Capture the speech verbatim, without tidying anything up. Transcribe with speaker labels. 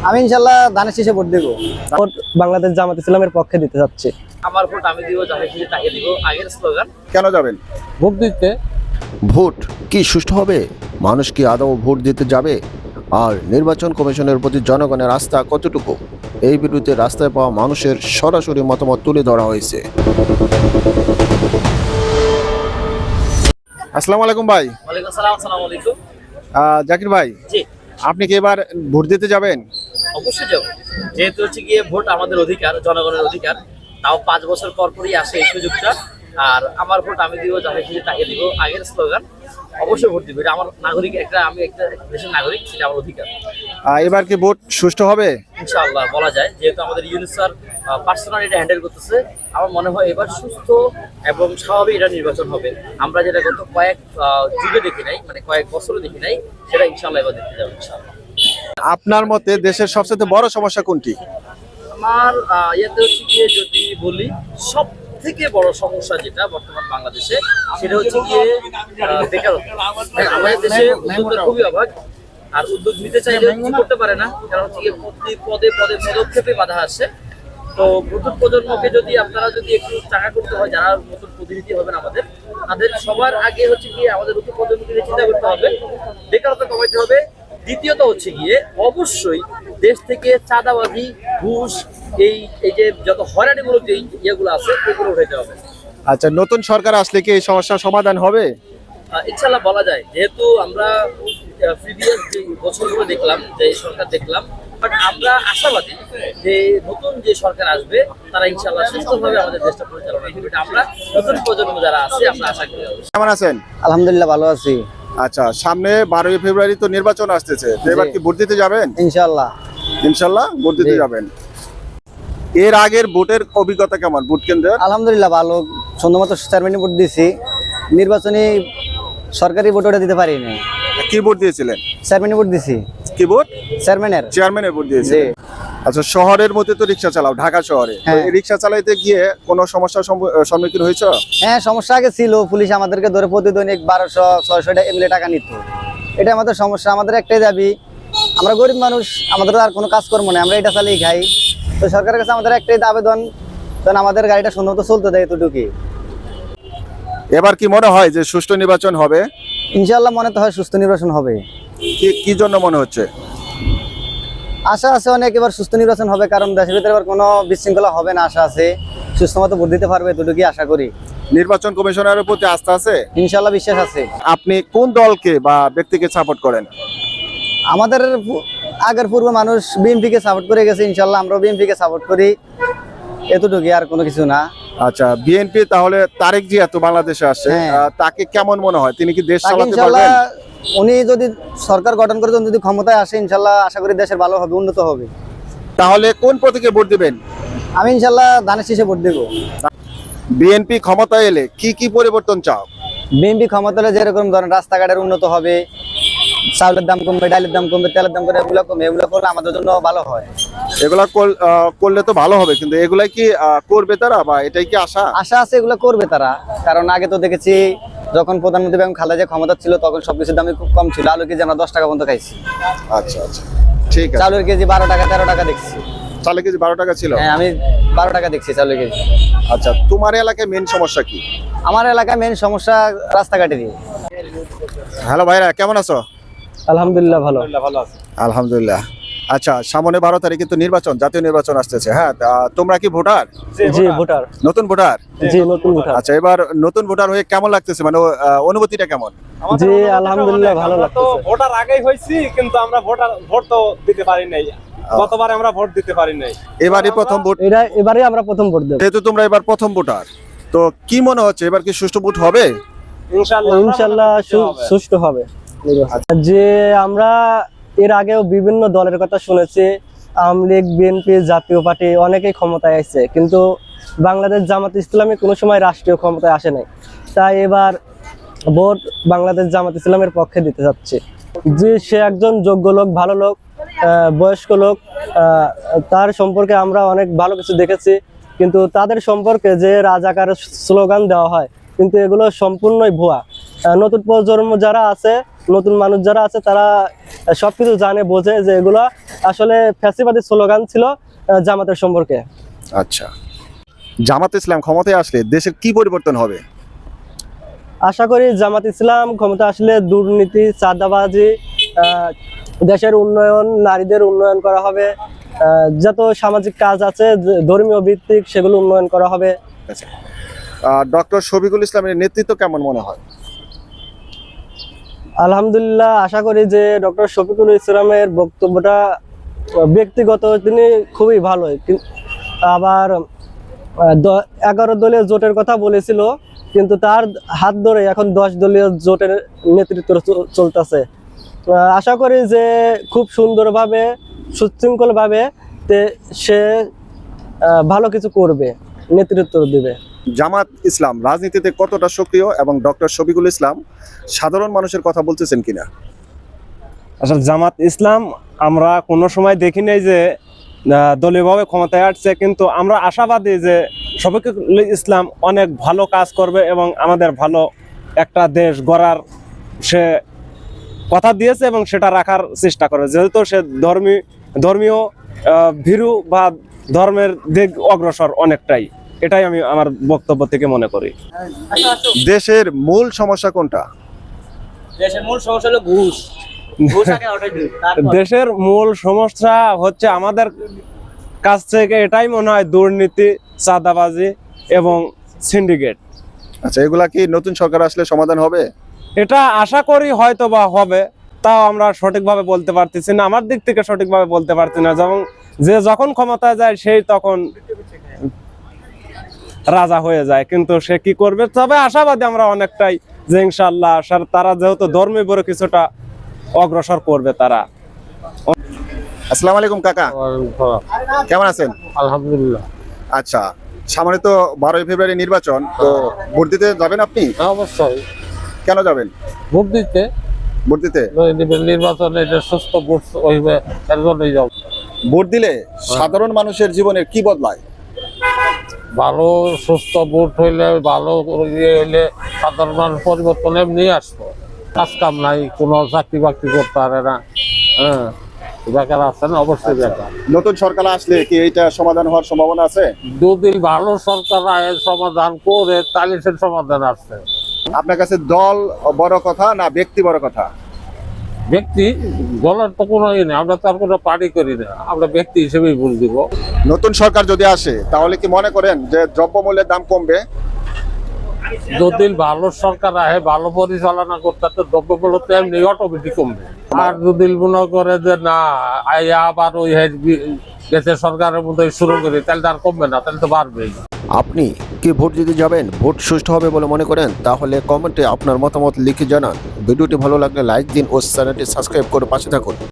Speaker 1: আমি ইনশাআল্লাহ ধানের শীষে ভোট দেব। ভোট বাংলাদেশ জামাত ইসলামের পক্ষে দিতে যাচ্ছি।
Speaker 2: আমার ভোট আমি দিব, ধানের শীষে তাকে দিব, আগের স্লোগান।
Speaker 3: কেন যাবেন
Speaker 1: ভোট দিতে?
Speaker 4: ভোট কি সুষ্ঠু হবে? মানুষ কি আদৌ ভোট দিতে যাবে? আর নির্বাচন কমিশনের প্রতি জনগণের আস্থা কতটুকু? এই বিরুদ্ধে রাস্তায় পাওয়া মানুষের সরাসরি মতামত তুলে ধরা হয়েছে।
Speaker 3: আসসালামু আলাইকুম ভাই।
Speaker 2: ওয়ালাইকুম আসসালাম। আসসালামু আলাইকুম।
Speaker 3: আহ, জাকির ভাই,
Speaker 2: জি,
Speaker 3: আপনি কি এবার ভোট দিতে যাবেন?
Speaker 2: অবশ্যই যাব। যেহেতু হচ্ছে গিয়ে ভোট আমাদের অধিকার, জনগণের অধিকার, তাও পাঁচ বছর পর পরই আসে এই সুযোগটা। আর আমার ভোট আমি দিব, ধানের শীষে তাকে দিব, আগের স্লোগান। অবশ্যই ভোট দিব, এটা আমার নাগরিক, একটা আমি একটা দেশের নাগরিক, সেটা আমার অধিকার।
Speaker 3: আহ, এবার কি ভোট সুষ্ঠু হবে?
Speaker 2: ইনশাআল্লাহ বলা যায়, যেহেতু আমাদের ইউনুস স্যার পার্সোনালি এটা হ্যান্ডেল করতেছে, আমার মনে হয় এবার সুস্থ এবং স্বাভাবিক এটা নির্বাচন হবে। আমরা যেটা গত কয়েক আহ, যুগে দেখি নাই, মানে কয়েক বছরে দেখি নাই, সেটা ইনশাআল্লাহ এবার দেখতে যাবো ইনশাআল্লাহ।
Speaker 3: আপনার মতে দেশের সবচেয়ে বড় সমস্যা কোনটি?
Speaker 2: আমার আহ, ইয়েতে হচ্ছে গিয়ে যদি বলি, সব থেকে বড় সমস্যা যেটা বর্তমান বাংলাদেশে, সেটা হচ্ছে গিয়ে আহ, বেকারত্ব। হ্যাঁ, আমাদের দেশে উদ্যোগের খুবই অভাব, আর উদ্যোগ নিতে চাইলে কিছু করতে পারে না, কারণ হচ্ছে গিয়ে প্রতি পদে পদে পদক্ষেপে বাধা আসছে। তো নতুন প্রজন্মকে যদি আপনারা যদি একটু চাকা করতে হয়, যারা নতুন প্রতিনিধি হবেন আমাদের, তাদের সবার আগে হচ্ছে গিয়ে আমাদের নতুন প্রজন্মকে চিন্তা করতে হবে, বেকারত্ব কমাইতে হবে। দ্বিতীয়ত হচ্ছে গিয়ে অবশ্যই দেশ থেকে চাঁদাবাজি, ঘুষ, এই এই যে যত হয়রানিমূলক যে ইয়েগুলো আছে, এগুলো উঠাইতে হবে।
Speaker 3: আচ্ছা, নতুন সরকার আসলে কি এই সমস্যার সমাধান হবে?
Speaker 2: আহ, ইনশাল্লাহ বলা যায়, যেহেতু আমরা প্রিভিয়াস যে বছরগুলো দেখলাম, যে সরকার দেখলাম, বাট আমরা আশাবাদী যে নতুন যে সরকার আসবে, তারা ইনশাল্লাহ সুস্থভাবে আমাদের দেশটা পরিচালনা করবে। এটা আমরা নতুন প্রজন্ম যারা আছে, আমরা আশা করি।
Speaker 3: কেমন আছেন?
Speaker 1: আলহামদুলিল্লাহ ভালো আছি।
Speaker 3: আচ্ছা, সামনে বারোই ফেব্রুয়ারি তো নির্বাচন আসতেছে, তো এবার কি ভোট দিতে যাবেন?
Speaker 1: ইনশাআল্লাহ।
Speaker 3: ইনশাল্লাহ ভোট দিতে
Speaker 1: জি।
Speaker 3: যাবেন। এর আগের ভোটের অভিজ্ঞতা কেমন ভোট কেন্দ্রের?
Speaker 1: আলহামদুলিল্লাহ ভালো, সুন্দর মতো চেয়ারম্যানই ভোট দিছি। নির্বাচনী সরকারি ভোট ওটা দিতে পারি নাই,
Speaker 3: কি ভোট দিয়েছিলেন?
Speaker 1: চেয়ারম্যানই ভোট দিছি।
Speaker 3: কি ভোট?
Speaker 1: চেয়ারম্যানের।
Speaker 3: চেয়ারম্যানের ভোট দিয়েছিলেন। আচ্ছা, শহরের মধ্যে তো রিক্সা চালাও, ঢাকা শহরে, তো
Speaker 1: হ্যাঁ।
Speaker 3: এই রিক্সা চালাইতে গিয়ে কোনো সমস্যার সম্মু- সম্মুখীন হয়েছে?
Speaker 1: হ্যাঁ, সমস্যা আগে ছিল, পুলিশ আমাদেরকে ধরে প্রতিদৈনিক বারোশো ছয়শো এমএলএ টাকা নিত। এটা আমাদের সমস্যা। আমাদের একটাই দাবি, আমরা গরিব মানুষ, আমাদের আর কোনো কাজকর্ম নেই, আমরা এটা চালিয়ে খাই। তো সরকারের কাছে আমাদের একটাই আবেদন, যেন আমাদের গাড়িটা সুন্দর মতো চলতে দেয়, এতটুকুই।
Speaker 3: এবার কি মনে হয় যে সুষ্ঠু নির্বাচন হবে?
Speaker 1: ইনশাআল্লাহ মনে তো হয় সুস্থ নির্বাচন হবে।
Speaker 3: কি কি জন্য মনে হচ্ছে?
Speaker 1: আশা আছে অনেক, এবার সুস্থ নির্বাচন হবে, কারণ দেশের ভিতরে এবার কোনো বিশৃঙ্খলা হবে না, আশা আছে। সুস্থ মতো ভোট দিতে পারবে, এতটুকুই আশা করি।
Speaker 3: নির্বাচন কমিশনারের প্রতি আস্থা আছে?
Speaker 1: ইনশাআল্লাহ বিশ্বাস আছে।
Speaker 3: আপনি কোন দলকে বা ব্যক্তিকে সাপোর্ট করেন?
Speaker 1: আমাদের পু- আগের পূর্ব মানুষ বিএনপি কে সাপোর্ট করে গেছে, ইনশাআল্লাহ আমরাও বিএনপি কে সাপোর্ট করি, এতটুকুই, আর কোনো কিছু না।
Speaker 3: আচ্ছা, বিএনপি তাহলে তারেক জি এত বাংলাদেশে আসছে,
Speaker 1: হ্যাঁ।
Speaker 3: আহ, তাকে কেমন মনে হয়? তিনি কি দেশ
Speaker 1: তাকে
Speaker 3: চালাতে
Speaker 1: ইনশাআল্লাহ,
Speaker 3: পারবেন?
Speaker 1: উনি যদি সরকার গঠন করে যদি ক্ষমতায় আসে, ইনশাআল্লাহ আশা করি দেশের ভালো হবে, উন্নত হবে।
Speaker 3: তাহলে কোন প্রতীকে ভোট দিবেন?
Speaker 1: আমি ইনশাআল্লাহ ধানের শীষে ভোট দেব।
Speaker 3: বিএনপি ক্ষমতায় এলে কি কি পরিবর্তন চাও?
Speaker 1: বিএনপি ক্ষমতা হলে যেরকম ধরেন রাস্তাঘাটের উন্নত হবে, চাউলের দাম কমবে, ডালের দাম কমবে, তেলের দাম কমবে, এগুলো কমবে, এগুলো করলে আমাদের জন্য ভালো হয়।
Speaker 3: এগুলা কর- আহ, করলে তো ভালো হবে, কিন্তু এগুলাই কি আহ, করবে তারা, বা এটাই কি আশা?
Speaker 1: আশা আছে এগুলো করবে তারা, কারণ আগে তো দেখেছি যখন প্রধানমন্ত্রী বেগম খালেদা জিয়া ক্ষমতা ছিল, তখন সবকিছুর দামই খুব কম ছিল। আলু কেজি আমরা দশ টাকা পর্যন্ত খাইছি,
Speaker 3: আচ্ছা আচ্ছা, ঠিক আছে।
Speaker 1: চাউলের কেজি বারো টাকা তেরো টাকা দেখছি।
Speaker 3: চালের কেজি বারো টাকা ছিল?
Speaker 1: হ্যাঁ, আমি বারো টাকা দেখছি চাউলের কেজি।
Speaker 3: আচ্ছা, তোমার এলাকায় মেন সমস্যা কি?
Speaker 1: আমার এলাকায় মেন সমস্যা রাস্তাঘাটেরই।
Speaker 3: হ্যালো ভাইরা, কেমন আছো?
Speaker 1: আলহামদুলিল্লাহ ভালো।
Speaker 3: আলহামদুলিল্লাহ। আচ্ছা, সামনে বারো তারিখে তো নির্বাচন, জাতীয় নির্বাচন আসতেছে, হ্যাঁ, তা তোমরা কি ভোটার?
Speaker 1: জি ভোটার।
Speaker 3: নতুন ভোটার?
Speaker 1: জি নতুন ভোটার।
Speaker 3: আচ্ছা, এবার নতুন ভোটার হয়ে কেমন লাগতেছে, মানে আহ, অনুভূতিটা কেমন?
Speaker 1: জি আলহামদুলিল্লাহ ভালো লাগতেছে।
Speaker 5: ভোটার আগেই হয়েছি, কিন্তু আমরা ভোটার ভোট তো দিতে পারি নাই। গতবারে আমরা ভোট দিতে পারি নাই,
Speaker 3: এবারই প্রথম ভোট,
Speaker 1: এটা এবারে আমরা প্রথম ভোট দেব।
Speaker 3: যেহেতু তোমরা এবার প্রথম ভোটার, তো কি মনে হচ্ছে এবার কি সুষ্ঠু ভোট হবে?
Speaker 5: ইনশাআল্লাহ
Speaker 1: ইনশাআল্লাহ সুষ্ঠু হবে। যে আমরা এর আগেও বিভিন্ন দলের কথা শুনেছি, আওয়ামী লীগ, বিএনপি, জাতীয় পার্টি অনেকেই ক্ষমতায় আসছে, কিন্তু বাংলাদেশ জামাত ইসলামী কোনো সময় রাষ্ট্রীয় ক্ষমতায় আসে নাই। তাই এবার ভোট বাংলাদেশ জামাত ইসলামের পক্ষে দিতে যাচ্ছে। যে সে একজন যোগ্য লোক, ভালো লোক, আহ, বয়স্ক লোক, আহ, তার সম্পর্কে আমরা অনেক ভালো কিছু দেখেছি, কিন্তু তাদের সম্পর্কে যে রাজাকার স্লোগান দেওয়া হয়, কিন্তু এগুলো সম্পূর্ণই ভুয়া। আহ, নতুন প্রজন্ম যারা আছে, নতুন মানুষ যারা আছে, তারা আহ, সবকিছু জানে বোঝে যে এগুলা আসলে ফ্যাসিবাদী স্লোগান ছিল আহ, জামাতের সম্পর্কে।
Speaker 3: আচ্ছা, জামাত ইসলাম ক্ষমতায় আসলে দেশের কি পরিবর্তন হবে?
Speaker 1: আশা করি জামাত ইসলাম ক্ষমতা আসলে দুর্নীতি, চাঁদাবাজি, আহ, দেশের উন্নয়ন, নারীদের উন্নয়ন করা হবে, আহ, যত সামাজিক কাজ আছে যে ধর্মীয় ভিত্তিক সেগুলো উন্নয়ন করা হবে।
Speaker 3: আচ্ছা, ডক্টর শফিকুল ইসলামের নেতৃত্ব কেমন মনে হয়?
Speaker 1: আলহামদুলিল্লাহ, আশা করি যে ডক্টর শফিকুল ইসলামের বক্তব্যটা আহ, ব্যক্তিগত তিনি খুবই ভালো। কিন- আবার আহ, দ- এগারো দলীয় জোটের কথা বলেছিল, কিন্তু তার হাত ধরে এখন দশ দলীয় জোটের নেতৃত্ব চ- চলতেছে। আহ, আশা করি যে খুব সুন্দরভাবে, সুশৃঙ্খলভাবে তে সে আহ, ভালো কিছু করবে, নেতৃত্ব দিবে।
Speaker 3: জামাত ইসলাম রাজনীতিতে কতটা সক্রিয় এবং ডক্টর শফিকুল ইসলাম সাধারণ মানুষের কথা বলতেছেন কিনা?
Speaker 5: আসলে জামাত ইসলাম আমরা কোনো সময় দেখি নাই যে আহ, দলীয়ভাবে ক্ষমতায় আসছে, কিন্তু আমরা আশাবাদী যে শফিকুল ইসলাম অনেক ভালো কাজ করবে এবং আমাদের ভালো একটা দেশ গড়ার সে কথা দিয়েছে এবং সেটা রাখার চেষ্টা করে, যেহেতু সে ধর্মী ধর্মীয় আহ, ভীরু বা ধর্মের দিক অগ্রসর অনেকটাই। এটাই আমি আমার বক্তব্য থেকে মনে করি।
Speaker 3: দেশের মূল সমস্যা কোনটা?
Speaker 2: দেশের মূল সমস্যা হলো ঘুষ। ঘুষ আগে ওঠাই দিন, তারপর-
Speaker 5: দেশের মূল সমস্যা হচ্ছে আমাদের কাছ থেকে এটাই মনে হয় দুর্নীতি, চাঁদাবাজি এবং সিন্ডিকেট।
Speaker 3: আচ্ছা, এগুলা কি নতুন সরকার আসলে সমাধান হবে?
Speaker 5: এটা আশা করি হয়তো বা হবে, তাও আমরা সঠিকভাবে বলতে পারতেছি না। আমার দিক থেকে সঠিকভাবে বলতে পারছি না। যেমন যে যখন ক্ষমতায় যায় সেই তখন রাজা হয়ে যায়, কিন্তু সে কি করবে। তবে আশাবাদী আমরা অনেকটাই যে ইনশাআল্লাহ সার- তারা যেহেতু ধর্মীয় বড় কিছুটা অগ্রসর করবে তারা।
Speaker 3: আসসালামু আলাইকুম কাকা, কেমন আছেন?
Speaker 6: আলহামদুলিল্লাহ,
Speaker 3: আচ্ছা, সামনে তো বারোই ফেব্রুয়ারি নির্বাচন, তো ভোট দিতে যাবেন আপনি?
Speaker 6: অবশ্যই
Speaker 3: কেন যাবেন
Speaker 6: ভোট দিতে।
Speaker 3: ভোট দিতে?
Speaker 6: নির্বাচনে এটা সুস্থ ভোট হইবে, এর জন্যই যাও।
Speaker 3: ভোট দিলে সাধারণ মানুষের জীবনের কি বদলায়?
Speaker 6: ভালো সুস্থ ভোট হইলে, ভালো ইয়ে হইলে সাধারণ মানুষ পরিবর্তন এমনি আসবো। কাজ কাম নাই, কোনো চাকরি বাকরি করতে পারে না, হ্যাঁ, বেকার আছেন, অবশ্যই বেকার।
Speaker 3: নতুন সরকার আসলে কি এইটা সমাধান হওয়ার সম্ভাবনা আছে?
Speaker 6: যদি ভালো সরকার আয়ের সমাধান করে তাহলে সে সমাধান আসছে।
Speaker 3: আপনার কাছে দল বড় কথা না ব্যক্তি বড় কথা?
Speaker 6: ব্যক্তি বলার তো কোনো ইয়ে নেই, আমরা তার কোনো পার্টি করি না, আমরা ব্যক্তি হিসেবেই ভোট দিব।
Speaker 3: নতুন সরকার যদি আসে তাহলে কি মনে করেন যে দ্রব্যমূল্যের দাম কমবে?
Speaker 6: যদি ভালো সরকার আহে, ভালো পরিচালনা করতে, তো দ্রব্যমূল্য তো এমনি অটোমেটিক কমবে। আর যদি মনে করে যে না আইয়া আবার ওই দেশের সরকারের মধ্যে শুরু করি, তাহলে তো আর কমবে না, তাহলে তো বাড়বেই।
Speaker 4: আপনি কি ভোট দিতে যাবেন? ভোট সুষ্ঠু হবে বলে মনে করেন? তাহলে কমেন্টে আপনার মতামত লিখে জানান। ভিডিওটি ভালো লাগলে লাইক দিন ও চ্যানেলটি সাবস্ক্রাইব করে পাশে থাকুন।